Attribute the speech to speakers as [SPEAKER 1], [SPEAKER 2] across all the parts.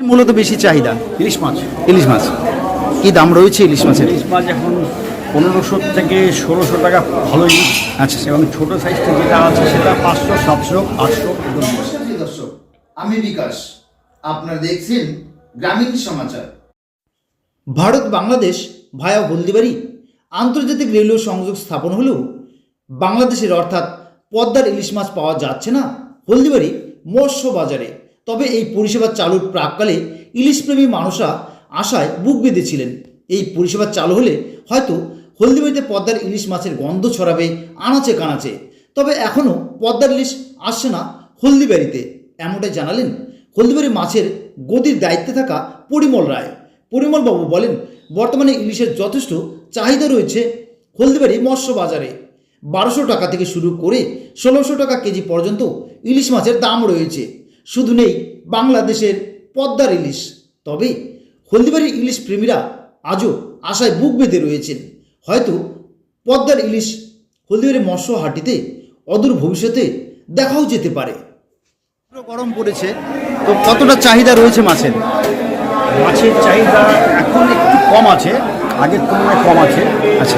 [SPEAKER 1] মূলত বেশি চাহিদা
[SPEAKER 2] ইলিশ মাছ।
[SPEAKER 1] ইলিশ মাছ কি দাম রয়েছে ইলিশ মাছের?
[SPEAKER 2] ইলিশ মাছ এখন 1500 থেকে 1600 টাকা ভালো ইলিশ।
[SPEAKER 1] আচ্ছা
[SPEAKER 2] এবং ছোট সাইজটা যেটা আছে সেটা 500, 700, 800।
[SPEAKER 3] নমস্কার প্রিয় দর্শক, আমি বিকাশ। আপনারা দেখছেন গ্রামীণ সমাচার।
[SPEAKER 4] ভারত বাংলাদেশ ভায়া হলদিবাড়ি আন্তর্জাতিক রেলওয়ে সংযোগ স্থাপন হলেও বাংলাদেশের অর্থাৎ পদ্মার ইলিশ মাছ পাওয়া যাচ্ছে না হলদিবাড়ি মৎস্য বাজারে। তবে এই পরিষেবা চালুর প্রাককালে ইলিশপ্রেমী মানুষরা আশায় বুক বেঁধেছিলেন এই পরিষেবা চালু হলে হয়তো হলদিবাড়িতে পদ্মার ইলিশ মাছের গন্ধ ছড়াবে আনাচে কানাচে। তবে এখনও পদ্মার ইলিশ আসছে না হলদিবাড়িতে, এমনটাই জানালেন হলদিবাড়ি মাছের গদির দায়িত্বে থাকা পরিমল রায়। পরিমলবাবু বলেন, বর্তমানে ইলিশের যথেষ্ট চাহিদা রয়েছে হলদিবাড়ি মৎস্য বাজারে। 1200 টাকা থেকে শুরু করে 1600 টাকা কেজি পর্যন্ত ইলিশ মাছের দাম রয়েছে। শুধু নেই বাংলাদেশের পদ্মার ইলিশ। তবে হলদিবাড়ির ইলিশ প্রেমীরা আজও আশায় বুক বেঁধে রয়েছেন, হয়তো পদ্মার ইলিশ হলদিবাড়ি মৎস্য হাটিতে অদূর ভবিষ্যতে দেখাও যেতে পারে।
[SPEAKER 1] গরম পড়েছে, তো কতটা চাহিদা রয়েছে মাছের?
[SPEAKER 2] মাছের চাহিদা এখন একটু কম আছে, আগের তুলনায় কম আছে।
[SPEAKER 1] আচ্ছা,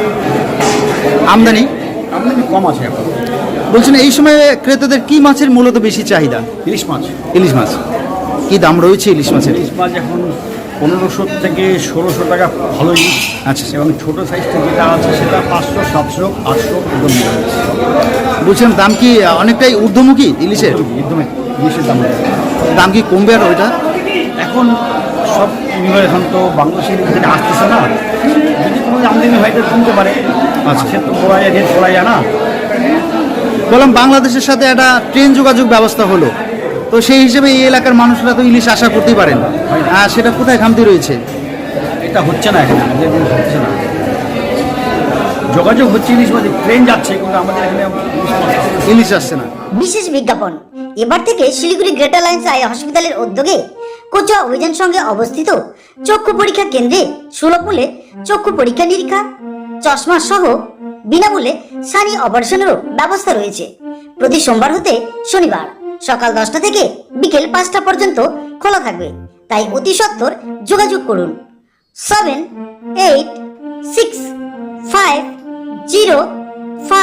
[SPEAKER 1] আমদানি
[SPEAKER 2] আমদানি কম আছে এখন।
[SPEAKER 1] বলছেন এই সময়ে ক্রেতাদের কি মাছের মূলত বেশি চাহিদা?
[SPEAKER 2] ইলিশ মাছ।
[SPEAKER 1] ইলিশ মাছ কি দাম রয়েছে ইলিশ মাছের?
[SPEAKER 2] ইলিশ মাছ এখন 1500 থেকে 1600 টাকা ভালো ইলিশ।
[SPEAKER 1] আচ্ছা,
[SPEAKER 2] এবং ছোট সাইজটা যেটা আছে সেটা 500, 700, 800 একদম।
[SPEAKER 1] বলছেন দাম কি অনেকটাই ঊর্ধ্বমুখী ইলিশের?
[SPEAKER 2] একদম ইলিশের দাম
[SPEAKER 1] দাম কি কমবে আর ওইটা?
[SPEAKER 2] এখন সব এখন তো বাংলাদেশের থেকে আসতেছে না, যদি কোনো আমদানি হয় তো কিনতে পারে।
[SPEAKER 1] আচ্ছা,
[SPEAKER 2] সে তো বলা যায়, রেট বলা যায় না।
[SPEAKER 1] বললাম বাংলাদেশের সাথে একটা ট্রেন যোগাযোগ ব্যবস্থা হলো, তো সেই হিসেবে এই এলাকার মানুষরা তো ইলিশ আশা করতেই পারেন, আর সেটা কোথায় খামতি রয়েছে?
[SPEAKER 2] এটা হচ্ছে না, এখানে আমাদের এখানে হচ্ছে না। যোগাযোগ হচ্ছে ইলিশ মাঝে, ট্রেন যাচ্ছে, কিন্তু আমাদের এখানে
[SPEAKER 1] ইলিশ আসছে না।
[SPEAKER 5] বিশেষ বিজ্ঞাপন, এবার থেকে শিলিগুড়ি গ্রেটার লাইন্স আই হসপিটালের উদ্যোগে কোচুয়া অভিযান সঙ্গে অবস্থিত চক্ষু পরীক্ষা কেন্দ্রে সুলভ মূল্যে চক্ষু পরীক্ষা নিরীক্ষা, চশমা সহ বিনামূল্যে সানি অপারেশনেরও ব্যবস্থা রয়েছে। প্রতি সোমবার হতে শনিবার সকাল 10টা থেকে বিকেল 5টা পর্যন্ত খোলা থাকবে, তাই অতি সত্বর যোগাযোগ করুন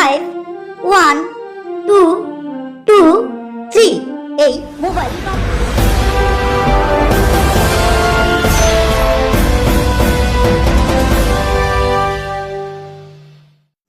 [SPEAKER 5] 7865051223 এই মোবাইল নম্বর।